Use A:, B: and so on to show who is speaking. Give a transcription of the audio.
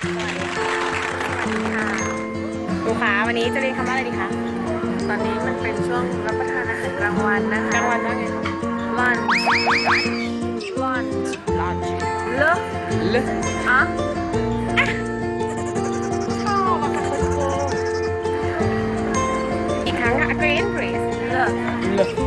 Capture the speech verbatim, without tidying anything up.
A: ครูคะวันนี้จะเรียนคำว่าอะไรดีคะ
B: ตอนนี้มันเป็นช่วงรับประทานอาหารกลางวันนะคะ
A: กลางวันว่าไง
B: lunch lunch
A: ลอนช์
B: เลอะ
A: เล
B: อะ
A: ชอบอะค่ะคุณครูอีกครั้งค่ะ again please
B: เลอะ
A: เล